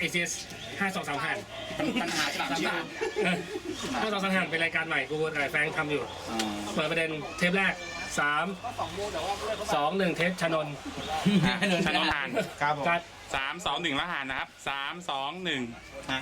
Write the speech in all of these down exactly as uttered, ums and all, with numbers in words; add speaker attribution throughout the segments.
Speaker 1: เอ ซี เอส ห้าสองสามหัน
Speaker 2: ปัญหาฉลามชิว
Speaker 1: ห้าสองสามหันเป็นรายการใหม่กูกับแฟนทำอยู่เปิดประเด็นเทปแรกสามสองหนึ่งเทปชนน
Speaker 3: ชนนหาน
Speaker 4: ครับผม
Speaker 1: กัด
Speaker 3: สามสองหนึ่งแล้วหานนะครับสามสองหนึ่ง
Speaker 4: ฮะ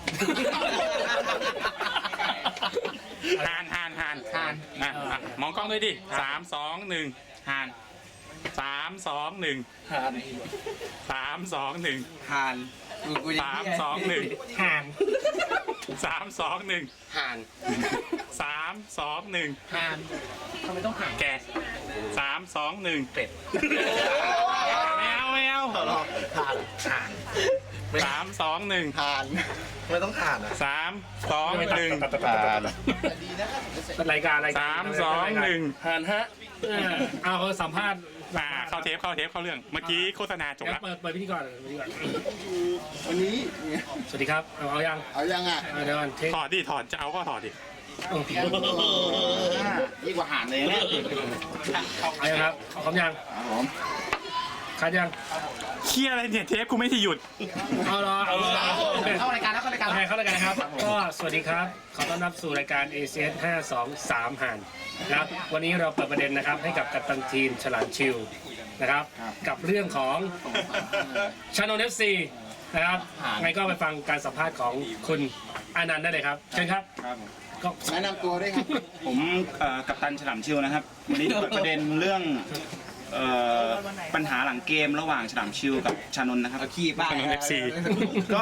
Speaker 3: หานหานหานหานนะอ่ะมองกล้องด้วยดิสามสองหนึ่งหานสามสองหนึ่ง
Speaker 2: หาน
Speaker 3: สามสองหนึ่ง
Speaker 2: หานกูกูยัง
Speaker 3: สาม
Speaker 2: เหี้ย
Speaker 3: สองหนึ่ง
Speaker 1: ห่าง
Speaker 3: สามสองหนึ่ง
Speaker 1: ห่าง
Speaker 3: สามสองหนึ่ง
Speaker 1: ห่างทำไมต้องห่าง
Speaker 3: แกสามสองหนึ่งเป็ดแมวแมว
Speaker 4: ผ่านผ่าน
Speaker 3: สามสองหนึ่ง
Speaker 4: ผ่านไม่ต้องผ่านอ่ะ
Speaker 3: สามสองหนึ่ง
Speaker 4: ผ่าน
Speaker 1: เป็นรายการรายการ
Speaker 3: สามสองหนึ่ง
Speaker 1: ห่างฮะเออเอาเขาสัมภาษณ์
Speaker 3: อ่าเข้าเทปเข้าเทปเข้าเรื่องเมื่อกี้โฆษณาจบ
Speaker 1: งั้
Speaker 3: แล้ว
Speaker 1: นเปิดเปิดพิธีกรเลยพิธีกร
Speaker 4: วันนี้
Speaker 1: สวัสดีครับเอาเอายัง
Speaker 4: เอายังอ่ะ
Speaker 1: เอาเดี๋ยวก่อนเทค
Speaker 3: ถอดดิถอดจะเอาก็ถอดดิ
Speaker 1: โอ้โห
Speaker 4: ยิ่งกว่าหานเลยเนี่ย
Speaker 1: เอายังครับพร้อมยัง
Speaker 4: ครับผม
Speaker 1: คัดยัง
Speaker 3: เคียอะไรเนี่ยเทปกูไม่ที่หยุด
Speaker 1: เอาละเอาละ
Speaker 2: เข้ารายการแล้วเข้ารายการ
Speaker 1: โอเคเข้ารายการครับ ก็สวัสดีครับ ขอต้อนรับสู่รายการ เอ ซี เอส ห้าสองสามหันนะครับ วันนี้เราเปิดประเด็นนะครับให้กับกัปตันทีมฉลามชิวนะครับ กับเรื่องของชานน เอฟ ซี นะครับไงก็ไปฟังการสัมภาษณ์ของคุณอานันต์ได้เลยครับ เชิญครับ
Speaker 4: ครับผม
Speaker 1: ก็
Speaker 4: แนะนำตัวด้วยครับ
Speaker 5: ผมเอ่อกัปตันฉลามชิวนะครับ วันนี้เปิดประเด็นเรื่องเอ่อปัญหาหลังเกมระหว่างฉลามชิวกับชานนท์นะครับ
Speaker 2: เอาขี้บ้า
Speaker 3: ชานนท์ เอฟ ซี
Speaker 5: ก็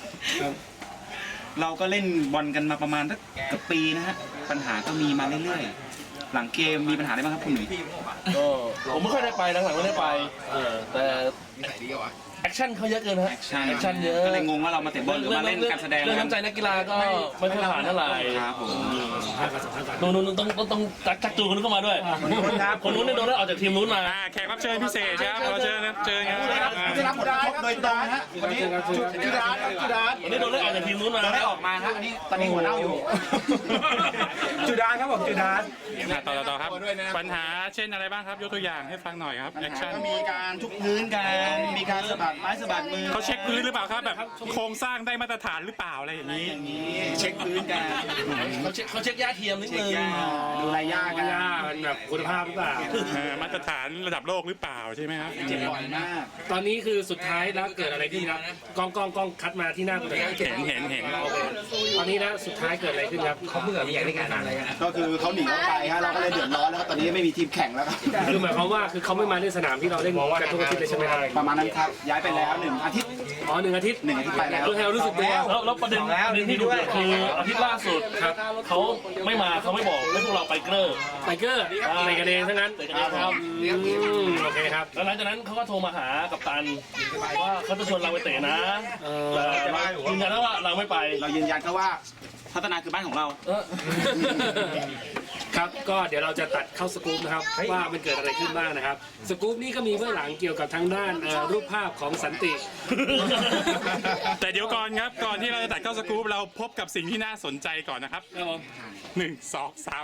Speaker 5: เราก็เล่นบอลกันมาประมาณสักเกือบปีนะฮะปัญหาก็มีมาเรื่อยๆ หลังเกมมีปัญหาอะไรบ้างครับคุณหนุ่ย
Speaker 6: ก็ผมไม่ค่อยได้ไปหลังๆไม่ได้ไปเออแต่แอคชั่นเขาเยอะเกินฮะ
Speaker 5: แอคชั่น
Speaker 6: แอคชั่นเยอะ
Speaker 5: ก็เลยงงว่าเรามาเตะบอลหรือมาเล่นการแสดง
Speaker 6: เรื่องน้ำใจนักกีฬาก็ไม่ค่อยผ่านเท่าไหร่
Speaker 5: ครับผม
Speaker 1: สัมภาษณ์ก่อนสัมภาษณ์ก่อน
Speaker 6: นู้นนู้นต้องต้องต้องจักจักจูคนนู้นเข้ามาด้วยคนนู้นเนี่ยโดนได้ออกจากทีมนู้นมา
Speaker 3: อ่าแขกรับเชิญพิเศษครับเราเชิญนะเชิญครับ
Speaker 4: ได้รับผลกระทบโดยตรงนะฮะวันนี้จุดาจุดา
Speaker 6: วันนี้โดนได้ออกจากทีมนู้นมา
Speaker 5: เราได้ออกมาครับอันนี้ตอนนี้หัวเน่าอยู่
Speaker 4: จุดาครับผมจุดา
Speaker 3: อ่ะต่อต่อต่อครับ ปัญหาเช่นอะไรบ้างครับยกตัวอย่างให้ฟังหน่อยครับแอคชั่น
Speaker 5: ก็มีการทุบพื้นกันมีการสะบัดไม้สะบัดมือ
Speaker 3: เขาเช็คพื้นหรือเปล่าครับแบบโครงสร้างได้มาตรฐานหรือเปล่าอะไรอย่างนี้
Speaker 5: อย่างนี้เช็คพื้นกัน
Speaker 6: เขาเช็คเขาเช็คย่าเทียมนิดนึง
Speaker 5: ดูรายยากัน
Speaker 1: ย่ามันแบบคุณภาพหรือเปล่า
Speaker 3: เออมาตรฐานระดับโลกหรือเปล่าใช่ไหมครับ
Speaker 5: เจ็บบ่อยมาก
Speaker 1: ตอนนี้คือสุดท้ายแล้วเกิดอะไรขึ้นครับกล้องกล้องกล้องคัดมาที่หน้าคุณเลย
Speaker 3: เห็นเห็นเห็น
Speaker 1: โอเคตอนนี้นะสุดท้ายเกิดอะไรขึ้นครับเขาเบื่อมีอย่างในการอะไรกัน
Speaker 4: ก็คือเขาหนีออกไปฮะเราก็เลยเดือดร้อนแล้วก็ตอนนี้ไม่มีทีมแข่งแล้วครับ
Speaker 1: คือหมายความว่าคือเขาไม่มาเล่นสนามที่เราเล่นกันทุกอาทิตย์เลยใช่ไหมครับ
Speaker 4: ประมาณนั้นครับย้ายไปแล้วหนึ่งอาทิตย์
Speaker 1: อ๋อหนึ่งอาทิตย์
Speaker 4: หนึ่งอาทิตย์ไปแล้ว
Speaker 1: เออให้เรารู้สึกตัว
Speaker 6: แล้วแล้วประเด็นประเด็นที่ดูเนี่ยคืออาทิตย์ล่าสุดครับเขาไม่มาเขาไม่บอกให้พวกเราไปเกลือ
Speaker 1: ไทเกอร์ในกันเองทั้งนั้น
Speaker 6: เตะกันเองครับ
Speaker 1: อืมโอเคครับ
Speaker 6: แล้วหลังจากนั้นเขาก็โทรมาหากัปตันว่าเขาจะชวนเราไปเตะนะ
Speaker 1: เออ
Speaker 6: แต่ยืนยันว่าเราไม่ไป
Speaker 5: เรายืนยันก็ว่าพัฒนาคือบ้านของเรา
Speaker 6: เออ
Speaker 1: ครับก็เดี๋ยวเราจะตัดเข้าสกู๊ปนะครับว่ามันเกิดอะไรขึ้นบ้างนะครับสกู๊ปนี่ก็มีเบื้องหลังเกี่ยวกับทางด้านเอ่อรูปภาพของสันติ
Speaker 3: แต่เดี๋ยวก่อนครับก่อนที่เราจะตัดเข้าสกู๊ปเราพบกับสิ่งที่น่าสนใจก่อนนะครับ
Speaker 1: ครับผม
Speaker 3: หนึ่งสองสาม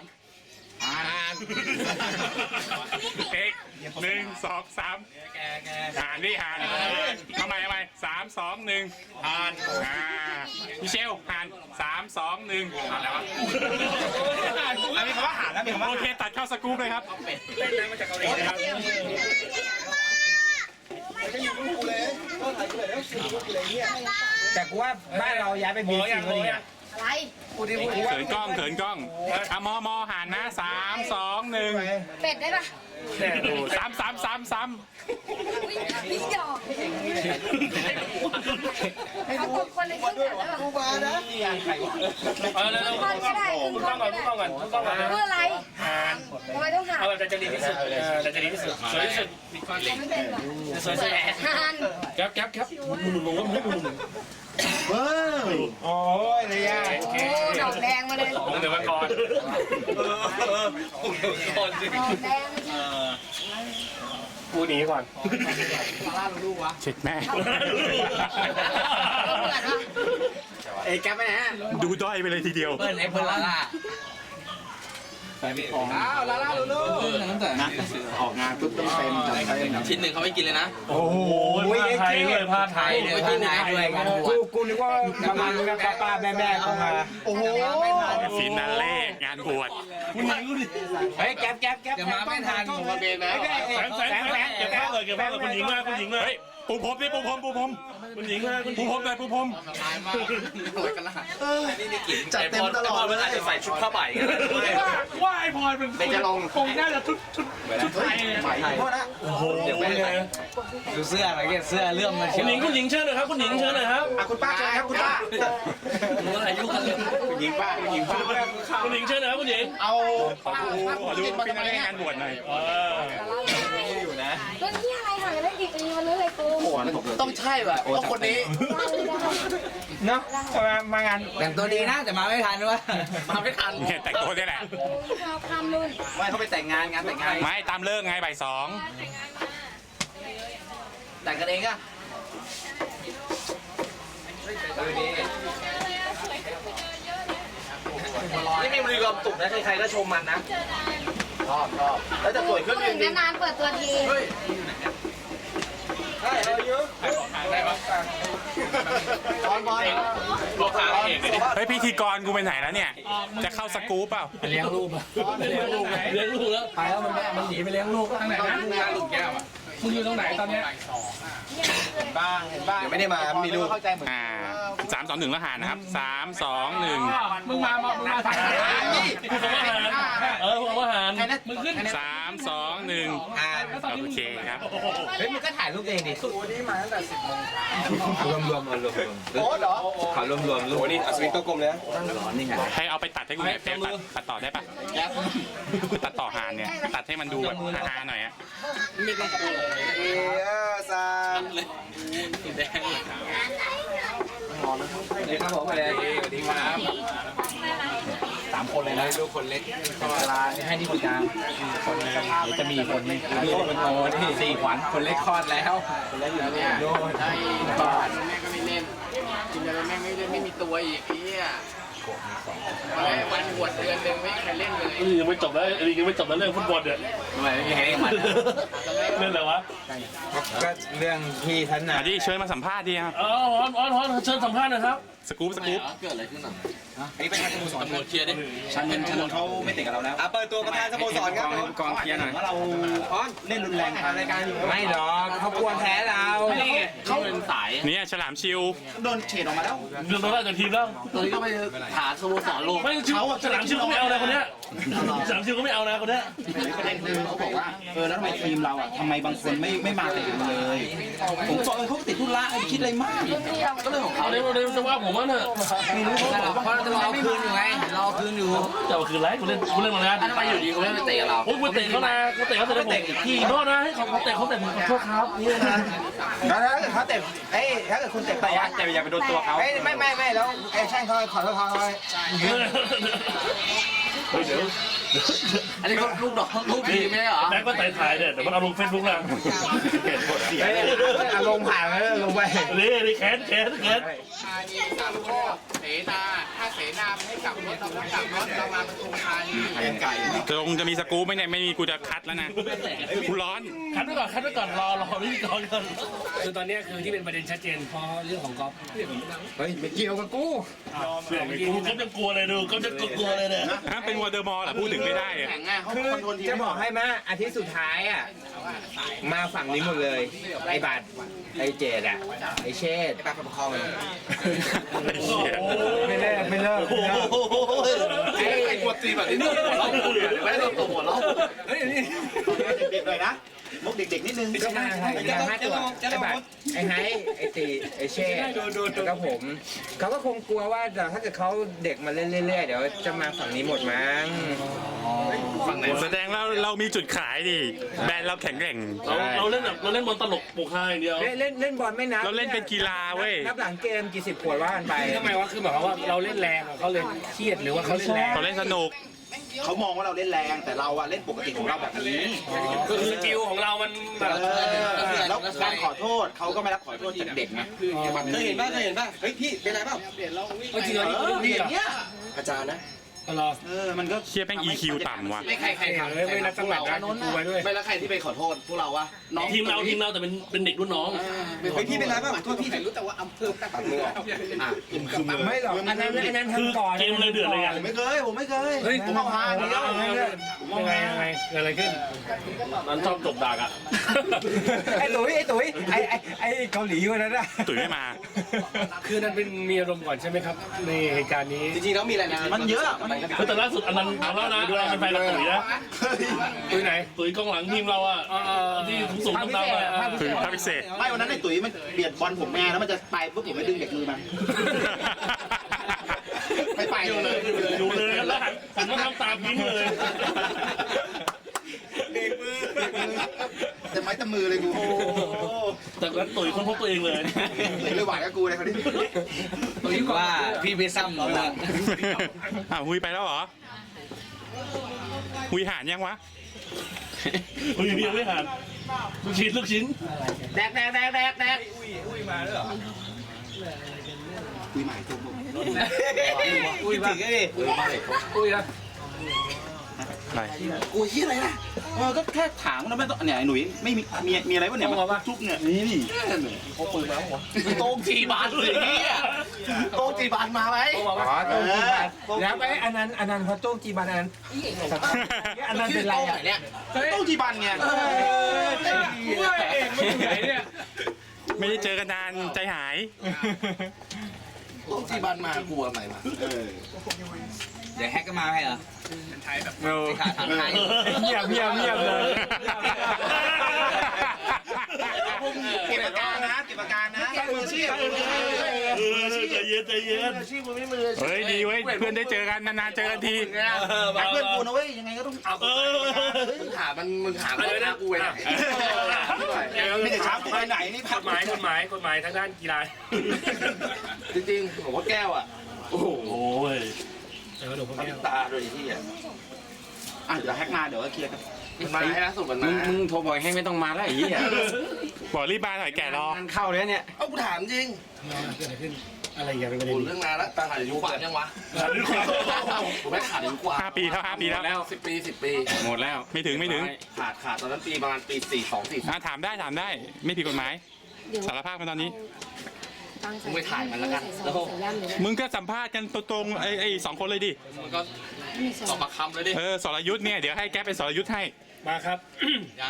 Speaker 3: เอกหนึ่งสองสามหานดิหานทำไมทำไมสามสองหนึ่งหานอ่ามิเชลหานสามสองหนึ่งอะไรวะ
Speaker 5: มีคำว่าหาแล้วมีคำว่า
Speaker 3: โอเคตัดเข้าสกู๊ปเลยครับ
Speaker 1: เล่นน้ำมาจากเกาหลีนะครับ
Speaker 2: แต่กูว่าบ้านเราย้ายไปบีซีก็ดีอะ
Speaker 7: อะไร
Speaker 3: เขินกล้องเขินกล้องอ่ะมอมอหานนะสามสองหนึ่ง
Speaker 7: เป็ดได้ปะ
Speaker 1: แน่ดู
Speaker 3: สามสามสามสาม
Speaker 7: อุ๊ยพี่หยอกเขาตกคนเลยขึ้นก่อนได้ปะ
Speaker 1: เออแล้ว
Speaker 7: ขึ้นก่อนก็ได้ขึ้น
Speaker 1: คุณ
Speaker 7: ก่
Speaker 1: ต้
Speaker 7: อ
Speaker 1: อน งก่
Speaker 7: ก็
Speaker 1: อนคุณ
Speaker 7: ได้
Speaker 1: ต้องก่อนคุณต้องก่อน
Speaker 7: เพื่ออะไร
Speaker 1: หาน
Speaker 7: ทำไมต้องหา
Speaker 1: เอาแบบจะดีที่สุดเออจะดีที่สุดสวยที่สุด
Speaker 7: เขาไม่เป็นหรอ
Speaker 1: สวยสุด
Speaker 7: หาน
Speaker 1: แก๊ปแก๊ปแก๊ป
Speaker 6: หมุนหมุนหมุนหมุนหมุนหมุน
Speaker 4: เฮ้ยโอ้ยเลยยา
Speaker 1: โอเค
Speaker 7: โอ้ดอกแดงมาเลย
Speaker 1: ผมเดี๋ยวมาก่อน
Speaker 7: ดอกแดง
Speaker 1: กูหนีก่อน
Speaker 3: เช็ดแม่
Speaker 7: เหมือนปะ
Speaker 2: เอ้ยแกไปไหนฮะ
Speaker 3: ดูด้อยไปเลยทีเดียว
Speaker 2: เปิ้ลไอ้เปิ้ลลาล่าอ้าวลาล่าลูลู
Speaker 4: นะออกงานปุ๊บต้องเต็มจัดเต็ม
Speaker 2: ชิ้นหนึ่งเขาไม่กินเลยนะ
Speaker 6: โอ้โหผ้าไทยด้วยผ้าไทย
Speaker 2: ไปกินไหนด้วยกันบวชกูนึกว่าประมาณป้าป้าแม่แม่คงมา
Speaker 4: โอ้โห
Speaker 3: ฟินาเล่งานบวช
Speaker 2: เฮ้ยแก๊ปแก๊ปแก๊ป
Speaker 8: จะมาไม่ทันผมมาเบนแล้ว
Speaker 6: แฟนแฟนแฟนเก็บภาพเลยเก็บภาพเลยคุณหญิงมาคุณหญิงมา
Speaker 3: เฮ้ยปูพรมดิปูพรมปูพรม
Speaker 6: คุณหญิงมาคุณห
Speaker 3: ปู
Speaker 6: ญิง
Speaker 3: พรมเลยปูพรม
Speaker 8: ตายมากรวยกันละ
Speaker 4: จัดเต็มตลอดเลย
Speaker 6: อาจจะใส่ชุดผ้าใบว่าไอพลอยเป็นจะลงคงน่าจะชุดชุดชุดไทย
Speaker 4: โทษนะ
Speaker 6: โอ้โหเดี๋ยวไปเลย
Speaker 2: ดูเสื้ออะไรเงี้ยเสื้อเลื่อมมา
Speaker 6: คุ
Speaker 2: เชีย
Speaker 6: ณ
Speaker 2: ว
Speaker 6: หญิงคุณหญิงเชิญหน่อยครับคุณหญิงเชิญหน่อยครับ
Speaker 4: อ่ะคุณป้าเชิญครับคุณป้า
Speaker 6: อายุกันเลย
Speaker 3: คุณหญิงป้าคุณหญิงป้า
Speaker 6: คุณหญิงเชิญหน่อยครับคุณหญิง
Speaker 4: เอา
Speaker 3: ขอดูขอดูฟินาเล่งานบวชหน่อย
Speaker 6: เออ
Speaker 7: เรื่องที่อะไรห่างกันได้กี่ปีมันเรื่องอะไรกู
Speaker 8: ต้องใช่ว่ะต้องคนนี้
Speaker 2: เนาะมามางาน
Speaker 8: แต่งตัวดีนะแต่มาไม่ทันด้วยมาไม่ทัน
Speaker 3: เนี่ยแต่งตัวเนี่ยแหละ
Speaker 7: เราทำนู่น
Speaker 8: ไม่เขาไปแต่งงานงานแต่งงาน
Speaker 3: ไม่ตามเลิกไงบ่ายสอง
Speaker 8: แต่งกันเองอะ
Speaker 2: นี่มีบริกรรมตุกนะใครๆก็ชมมันนะ
Speaker 8: ชอบชอบแล้วจะสวยขึ้น
Speaker 7: ถึงนานๆเปิดตัวที
Speaker 4: ตอนบอย
Speaker 6: บอกทางเอกเลย
Speaker 3: เฮ้ยพิธีกรกูไปไหนแล้วเนี่ย จะเข้าสกู๊ปเปล่า
Speaker 6: เลี้ยงลูกเลี้ยงลูกเลี้ยงลูกแล้วไปแล้วมันมันหนีไปเลี้ยงลูกทางไหนนะมึงอยู่ตรงไหนตอนเนี้ย
Speaker 4: บ้างเห็นบ้างไม่ได้มามีลูกเข้าใจเหมือน
Speaker 3: อ่าสามสองหนึ่งแล้วหารนะครับสามสองหนึ่ง
Speaker 6: มึงมามึงมาทางไหนพูดคำว่าหารเออพูดคำว่าหารมึงขึ้น
Speaker 3: สามสองหนึ่งโอเคครับ
Speaker 2: เฮ้ยมึงก็ถ่ายรูปเองดิรวมรวมรวมรวม
Speaker 4: โอ๊ตเหรอ
Speaker 2: ขอรวมรวมรูปนี่อัศวินตัวกลมเลยนะ
Speaker 3: ให้เอาไปตัดให้กูหน่อยเฟซตัดตัดต่อได้ปะตัดต่อหารเนี่ย ตัดให้มันดูแบบฮาๆหน่อยอะ
Speaker 4: เออซาน
Speaker 2: ครับผมไปเลยสวัสดีครับสามคนเลยนะลูกคนเล็กเวลาให้ที่คนกลางคนนึงเดี๋ยวจะมีคนนึงดูคนโตนี่สี่ขวัญคนเล็กคลอดแล้วคนเล็กอยู่เนี่ยโน่น
Speaker 8: ไอ้บ้านแม่ก็ไม่เล่นกินอะไรแม่ไม่เล่นไม่มีตัวอีกไอ้เนี่ยวันบวชเดือนหนึ่งไม่มีใครเล่นเลย
Speaker 6: ยังไม่จบแล้วยังไม่จบแล้วเรื่องฟุตบอลเนี่ย
Speaker 2: ทำไมไม่มีใครเล่นมัน
Speaker 6: เรื่องอะไรวะ
Speaker 2: ก็เรื่องที่ท่านน่ะ
Speaker 3: มาดิเชิญมาสัมภาษณ์ดิครับ
Speaker 6: อ๋อฮอนฮอนฮอนเชิญสัมภาษณ์นะครับ
Speaker 3: สกู๊ปสกู๊ป
Speaker 8: เกิดอะไรขึ้นอ่ะ
Speaker 5: อันนี้เป็นทางสโมสร
Speaker 8: ตำรวจเคลียร์ดิ
Speaker 5: ชันเงินชันนเขาไม่ติดกับเราแล้ว
Speaker 2: อ่ะเปิดตัวประธานสโมสรครับ
Speaker 5: กองเชียร์หน่อยว่าเราเล่นรุนแรงทางรายการอยู่
Speaker 2: ไม่หรอกเขากลัวแพ้เรา
Speaker 8: เขาเป็นสาย
Speaker 3: เนี่ยฉลามชิว
Speaker 5: โดนเฉดออกมาแล้ว
Speaker 6: เรื่องตัวแรกจากทีมแล้ว
Speaker 8: ตัวนี้ก็ไปหาสโมสรโลก
Speaker 6: ไม่ชื่อฉลามชื่อก็ไม่เอานะคนเนี้ยฉลามชื่อก็ไม่เอานะคนเนี้ย
Speaker 5: ประเด็นคือเขาบอกว่าเออแล้วทำไมทีมเราอ่ะทำไมบางคนไม่ไม่มาแต่กันเลยผมบอกเออเขาติดธุระไอ้คิดอะไรมาก
Speaker 8: ก็เรื่องของเขา
Speaker 6: เอาเดี๋ยวเดี๋ยวจะว่าผมว่าเนี่ย
Speaker 5: ไม่รู้เขาบอกว่า
Speaker 8: เพราะเราจะรอคืนอยู่ไงรอคืนอยู่
Speaker 6: จะเอาคืนไรกูเล่นกูเล่นมานาน
Speaker 8: ทำไมอยู่ดีเขาไม่ไปเตะเรา
Speaker 6: โอ้ยกูเตะเขานะกูเตะเขาเตะผมพี่โทษนะให้เขาเขาเตะเขาเตะผมขอโทษครับนี่นะ
Speaker 2: แล้วถ้าเกิดเขาเตะเอ้ยถ้าเกิดคุณเตะไปอ่ะ
Speaker 5: แต่อย่าไปโดนตัวเขา
Speaker 2: ไม่ไม่ไม่ไม่แล้วไอ้ช่างเขาขอโทษเขาเลย
Speaker 6: เฮ้ยเดี๋ยว
Speaker 8: อันนี้เขาลูกน้องลูกทีมไม่ใช่เหรอ
Speaker 6: แม็กก็ถ่ายถ่ายเนี่ยเดี๋ยวมันเอาลงเฟซบุ๊กนะเห็นหมดเสีย
Speaker 2: เฮ้ยอารมณ์ผ่านแล้วลงไป
Speaker 6: นี่นี่แขนแขนแขน
Speaker 8: ธานีสามโคกเสนาถ้าเสนาไม่ให้กลับรถเราก็กลับรถเรามาปทุมธานี
Speaker 5: เป็นไก่
Speaker 3: ตรงจะมีสกู๊ปไหมเนี่ยไม่มีกูจะคัดแล้วนะกูร้อน
Speaker 6: คัดไว้ก่อนคัดไว้ก่อนรอรอพิธีกรก่อน
Speaker 1: คือตอนเนี้ยคือที่เป็นประเด็นชัดเจนเพราะเรื่องของก๊อฟ
Speaker 2: เฮ้ยไม่เกี่ยวกับกู
Speaker 6: เรื่องกูก็จะกลัวเลยดูก็จะกลัวเลยเนี่ย
Speaker 3: ฮะเป็นวอเตอร์มอลเหรอพูดถึงไม่ได้อะ
Speaker 8: แข่งง่ายเขา
Speaker 2: คือจะบอกให้แม่อาทิตย์สุดท้ายอ่ะมาฝั่งนี้หมดเลยไอ้บาทไอ้เจดอ่ะไอ้เชษปากประคอง
Speaker 3: ไอ้เหี้ย
Speaker 2: ไม่เลิกไม่เลิก
Speaker 8: ไอ้ไอ้กวดตีแบบนี้เนี่ยหัวเราะเลยไม่ได้ตัวหัวเราะ
Speaker 5: เด็กๆหน่อยนะมุกเด็กๆนิดนึง
Speaker 2: ก็มาให้มาห้าตัวไอ้บาทไอ้ไฮไอ้ตีไอ้เชษแล้วก็ผมเขาก็คงกลัวว่าถ้าเกิดเขาเด็กมาเล่นเรื่อยๆเดี๋ยวจะมาฝั่งนี้หมดมั้ง
Speaker 3: แสดงเราเรามีจุดขายดิแบรนด์เราแข็งแกร่ง
Speaker 6: เราเราเล่นแบบเราเล่นบอลตลกปกฮาอย่างเดียว
Speaker 2: เล่นเล่นเล่นบอลไม่นับ
Speaker 3: เราเล่นเป็นกีฬาเว้ย
Speaker 2: นับหลังเกมกี่สิบขวดว่ากันไป
Speaker 1: ทำไมวะคือแบบว่าเราเล่นแรงอะเขาเลยเครียดหรือว่าเขาเล่นแรง
Speaker 3: เขาเล่นสนุก
Speaker 5: เขามองว่าเราเล่นแรงแต่เราอะเล่นปกติของเราแบบนี้
Speaker 1: ก็คือสกิลของเรามันแบบ
Speaker 5: เออแล้วการขอโทษเขาก็ไม่รับขอโทษจากเด็กไง
Speaker 8: เคยเห็นป่ะเคยเห็นป่ะเฮ้ยพี่เป็นไรเปล่า
Speaker 1: จริงๆเรานี่คือเรื่อง
Speaker 5: อ
Speaker 1: พี่
Speaker 5: ย่าง
Speaker 1: อะ
Speaker 5: เงี้ย
Speaker 8: อาจารย์นะ
Speaker 1: ก็รอ
Speaker 5: เออมันก็
Speaker 3: เชี่ยแม่ง อี คิว ต่ำว่ะ
Speaker 8: ไม่ใครใครทำ
Speaker 1: เฮ้ยไม่นับจังหวะนะกูไว้ด้วย
Speaker 8: ไม่แล้วใครที่ไปขอโทษพวกเราวะน้อง
Speaker 6: ทีมเราทีมเราแต่เป็นเป็นเด็กรุ่นน้อง
Speaker 5: เฮ้ยพี่เป็นไรบ้างขอโทษพี่
Speaker 8: รู้แต่ว่าอำเภอตัดมืออ่ะ
Speaker 4: ไม่หรอกอันนั้นอันนั้น
Speaker 6: คือ
Speaker 4: ทำก่อน
Speaker 6: เกมเลยเดือดเลยไง
Speaker 5: ผมไม่เคยผมไม่เคย
Speaker 1: เฮ้ย
Speaker 5: ผมเอาฮาเดียว
Speaker 1: ยังไงยังไงเกิดอะไรขึ้น
Speaker 6: มันชอบจบดักอ่ะ
Speaker 4: ไอ้ตุ๋ยไอ้ตุ๋ยไอ้ไอ้ไอ้เกาหลีคนนั้นอะ
Speaker 3: ตุ๋ยไม่มา
Speaker 1: คือนั้นเป็นมีอารมณ์ก่อนใช่ไหมครับในเหตุการณ์นี้
Speaker 8: จริงๆแล้วมีอะไรนะ
Speaker 5: มันเยอะมัน
Speaker 6: คือแต่ล่าสุดอันนั้นเอาแล้วนะเราเป็นแฟนกับตุ๋ยนะ
Speaker 1: ตุ้ยไหน
Speaker 6: ตุ๋ยกองหลังทีมเราอ่ะที่สูงๆต่ำๆอ่ะ
Speaker 3: ตุ๋ยภาพพิเศษ
Speaker 5: ไม่วันนั้นไอ้ตุ๋ยมันเบียดบอลผมแม่แล้วมันจะไปปุ๊บผมไม่ดึงเด็กมือมัน ไม่ไปเลย
Speaker 6: อยู่เลยแล้วหันหันมาทำตามยิ้มเลย
Speaker 5: เด็กมือแต่ไม้ตะมือเลยกู
Speaker 6: แต่ก็ตุ๋ยคนพบตัวเองเลย
Speaker 5: เลยหวานกับกูเลยคนนี้
Speaker 2: คิดว่าพี่ไปซ้ำเราละ
Speaker 3: อ้าวหุยไปแล้วเหรอหุยหานยังวะ
Speaker 6: อุ้ยยังไม่หันลูกชิ้นลูกชิ้น
Speaker 8: แดกแดกแดกแดกแดก
Speaker 5: คุยใหม่ตัวผม
Speaker 2: อุ้ยถึงไอ้ดิ
Speaker 1: ตุ้ยนะ
Speaker 3: อะไร
Speaker 5: กูชี้อะไรนะเออก็แค่ถามนะไม่ต้องเนี่ยไอ้หนุ่ยไม่มีมีมีอะไรวะเนี่ยมาทุกเนี่ยนี่นี่
Speaker 8: โต้งจีบานเลยเนี่ยโต้งจีบานมาไหม
Speaker 4: อ๋อโต้งจีบันแล้วไปอันนั้นอันนั้นพอโต้งจีบันอันนั้นอันนั้นเป็นไร
Speaker 8: โต้งไหน
Speaker 4: อ่ะ
Speaker 8: เนี่ย
Speaker 5: โต้งจีบันไง
Speaker 4: ว่าเองไม่ถึงไหนเนี่ย
Speaker 3: ไม่ได้เจอกันนานใจหาย
Speaker 8: โต้งจีบานมากลัวอะไรมา
Speaker 5: เออ
Speaker 2: เดี๋ยวแฮกก็มาให้เหรอขาดทางไทย
Speaker 4: เงียบเงียบเงียบเลย
Speaker 5: เก็บอาการนะเก็บอาการนะมืออาชีพ
Speaker 6: เออใจเย็นใจเย็น
Speaker 3: เฮ้ยดีเว้ยเพื่อนได้เจอกันนานๆเจอกันที
Speaker 5: รักเพื่อนกูนะเว้ยยังไงก็ต้องเอา
Speaker 6: เออ
Speaker 8: มึงถามมันมึงถามอะไรนะกูไปไหน
Speaker 5: ไม่ได้ช้ากูไปไหนนี่
Speaker 1: กฎหมายกฎหมายกฎหมายทางด้านกีฬา
Speaker 8: จริงๆผมว่าแก้วอ่ะโอ้โห
Speaker 6: โอ้ย
Speaker 1: เออหลวงพ่อแก้ว
Speaker 8: ตาเลยที่อ่ะ
Speaker 5: อ่ะเดี๋ยวแฮกมาเดี๋ยวก็เคลียร์กัน
Speaker 8: มันมาให้ล่าสุดมันมา
Speaker 2: มึงโทรบอกให้ไม่ต้องมาแล้วไอ้เหี้ย
Speaker 3: บอกรีบมาหน่อยแก่รอ
Speaker 2: งานเข้าเลยเนี่ย
Speaker 8: เอ้ากูถามจริง
Speaker 1: เกิดอะไรขึ้นอะไรอย่างเป็นประเด็
Speaker 8: โอ้
Speaker 1: น
Speaker 8: เรื่องนานแล้วตาขาดอายุกว่ายังวะผมไม่ขาดอายุกว่า
Speaker 3: ห้าปีแล้วห้าปีแล้ว
Speaker 8: สิบปีสิบปี
Speaker 2: หมดแล้ว
Speaker 3: ไม่ถึงไม่ถึง
Speaker 8: ขาดขาดตอนนั้นปีประมาณปีสี่สองสี่
Speaker 3: อ่ะถามได้ถามได้ไม่ผิดกฎหมาย
Speaker 7: เดี๋ยว
Speaker 3: สารภาพมาตอนนี้
Speaker 7: ตั้งใจ
Speaker 8: มึงไปถ่ายมันแล้วกัน
Speaker 7: ใส่ซองใส่ย่ำเลยนะ
Speaker 3: มึงก็สัมภาษณ์กันตรงๆไอ้ไอ้สองคนเลยดิ
Speaker 8: มันก็
Speaker 7: มีซ
Speaker 8: ต
Speaker 7: อ
Speaker 8: อง บปากคำเลยดิ
Speaker 3: เออสรยุทธ์เนี่ยเดี๋ยวให้แก๊ปเป็นสรยุทธ์ให้
Speaker 1: มาครับ
Speaker 8: ยัง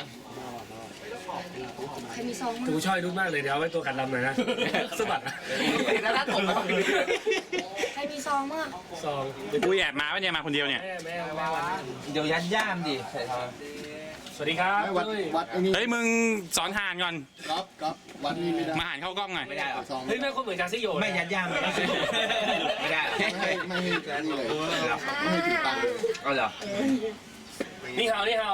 Speaker 7: ใครมีซอง
Speaker 1: ดู
Speaker 7: มั้ง
Speaker 1: ช่อยรุ่นมากเลยเดี๋ยวเอาไว้ตัวกันลำหน่อยนะสะบัดนะ
Speaker 8: แล้วถ้าตกแล้ว
Speaker 7: ใครมีซองมั้ง
Speaker 1: ซอง
Speaker 3: อุ้ยแอบมาปะเนี่ยมาคนเดียวเนี่ย
Speaker 1: แม่แม่แม่วันนั้น
Speaker 2: เดี๋ยวยัดย่ามดิใส่ทอง
Speaker 1: สวัสดีครับ
Speaker 4: วัดวัดไอ้นี่
Speaker 3: เฮ้ยมึงสอนหานก่อน
Speaker 4: ก๊อฟก๊อฟวัดนี่ไม่ได้
Speaker 3: มาหานเข้ากล้องหน่อย
Speaker 2: ไม่ได้หรอ
Speaker 4: ซอง
Speaker 1: เฮ้ยแม่คนเหมือนจาซิโย
Speaker 2: ไม่ยัดย่ามไม่ได้ไม่ได้
Speaker 4: ไม่ให้ไม่ให้แกนี่เลยไม่ให้ติดตังค์
Speaker 2: เอาเหรอ
Speaker 1: นี่ฮาวนี่ฮาว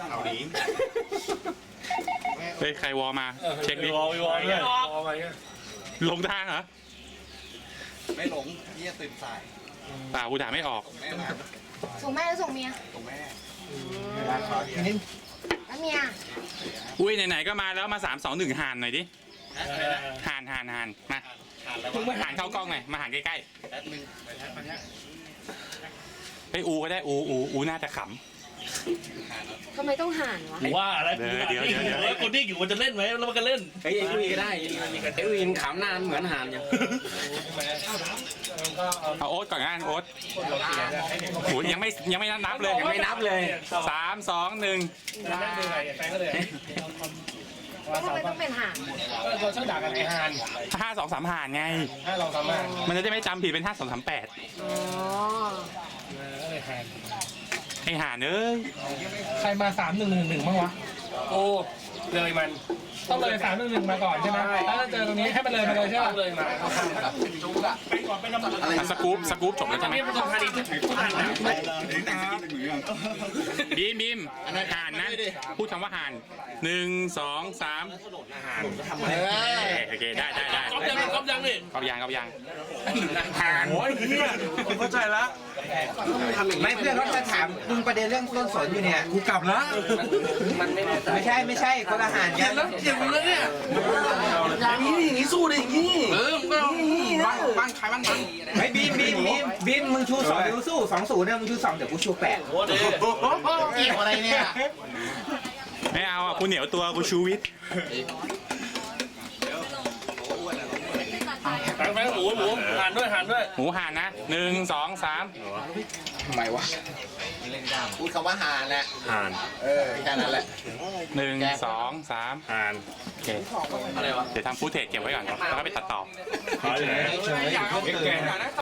Speaker 3: เฮ้ยใครวอมาเช็คดิ
Speaker 6: วอลวอลด้วย
Speaker 1: วอลไปเนี่ย
Speaker 3: ลงทางเหรอ
Speaker 4: ไม่หลงเนี่ยตื่นสาย
Speaker 3: เปล่ากูด่าไม่ออก
Speaker 4: แม่มา
Speaker 7: ส่งแม่หรือส่งเมีย
Speaker 4: ตรงแม่เวลาขอทีนี้
Speaker 7: แล้วเมีย
Speaker 3: อุ้ยไหนๆก็มาแล้วมาสามสองหนึ่งหานหน่อยดิหานหานหานมาหานเข้ากล้องหน่อยมาหานใกล้ๆเฮ้ยอูก็ได้อูอูอูน่าจะข
Speaker 7: ทำไมต้องห่านวะ
Speaker 6: ว่าอะไรคนที่อยู่มันจะเล่นไหมแล้วมันก็เล่น
Speaker 2: เฮ้ยไอ้อุ้ยก็ได้ไอ้อุ้ยขำนานเหมือนหานอย่าง
Speaker 3: ำเอาโอ๊ตก่อนงานโอ๊ตโหยังไม่ยังไม่นับเลย
Speaker 2: ยังไม่นับเลย
Speaker 3: สามสองหนึ่ง
Speaker 1: นั่งดูไงแฟนก็เลย
Speaker 7: ทำไมต้องเป็นห่าน
Speaker 1: ก็เราชอบด่ากันไอ้ฮาน
Speaker 3: ห้าสองสามหานไง
Speaker 1: ถ้าเราสามารถ
Speaker 3: มันจะได้ไม่จำผิดเป็นห้าสองสามแปด
Speaker 7: อ๋อ
Speaker 1: ก็เลยฮาน
Speaker 3: ไอหานเอ้ย
Speaker 4: ใครมาสามหนึ่งหนึ่งหนึ่งบ้างวะ
Speaker 1: โอ้เลยมัน
Speaker 4: ต้องเลยสามหนึ่งหนึ่งมาก่อนใช่ไหมแล้วถ้าเจอตรงนี้ให้มันเลยมาเลยใช่ไหม
Speaker 1: เลยมาเขาข้ามครับ
Speaker 3: อ่ะสกู๊ปสกู๊ปจบแล้ว
Speaker 1: ตอ
Speaker 3: ใช่
Speaker 1: น
Speaker 3: ไหม
Speaker 1: นี้ประสบการณ์ที่ทุกท่านนะ
Speaker 3: บีมบีมหานนะพูดคำว่าหานหนึ่งสองสามโอเคได้ได้ได้
Speaker 6: ก๊อปยังก๊อปยังนี่
Speaker 3: กอบยางกอบยาง
Speaker 6: โอ้ยเฮียเข้าใจแล้ว
Speaker 2: ไม่เพื่อนเขาจะถามมึงประเด็นเรื่องต้นสนอยู่เนี่ยกูกลับแล้วมันไม่ได้ไม่ใช่ไม่ใช่คนละหานกัน
Speaker 8: เจ็บแล้วเนี่ยอย่างนี้อย่างนี้สู้ดิอย่างนี้เออมึงก็บ้านบ้านใครบ้านมัน
Speaker 2: ไม่บีมบีมบีม
Speaker 4: บินมึงชูสองเดี๋ยวกูสู้สองศูนย์เนี่ยมึงชูสองเดี๋ยวกูชูแปด
Speaker 6: โอ้ดี
Speaker 8: เกี่ยวอะไรเนี่ย
Speaker 3: ไม่เอาอ่ะกูเหนียวตัวกูชูวิทย์
Speaker 6: แบงค์แบงค์หมูหมูหันด้วยหันด้วย
Speaker 3: หมูหันนะหนึ่งสองสาม
Speaker 8: ทำไมวะพูดคำว่าหานแหละ
Speaker 1: ห่าน
Speaker 8: เออแค่นั้นแหละ
Speaker 3: หนึ่งสองสาม
Speaker 1: ห่าน
Speaker 3: โอเคเดี๋ยวทำฟูเทจเก็บไว้ก่อนแล้วก็ไปตัดต่อ
Speaker 1: ขอเลย
Speaker 4: เฉย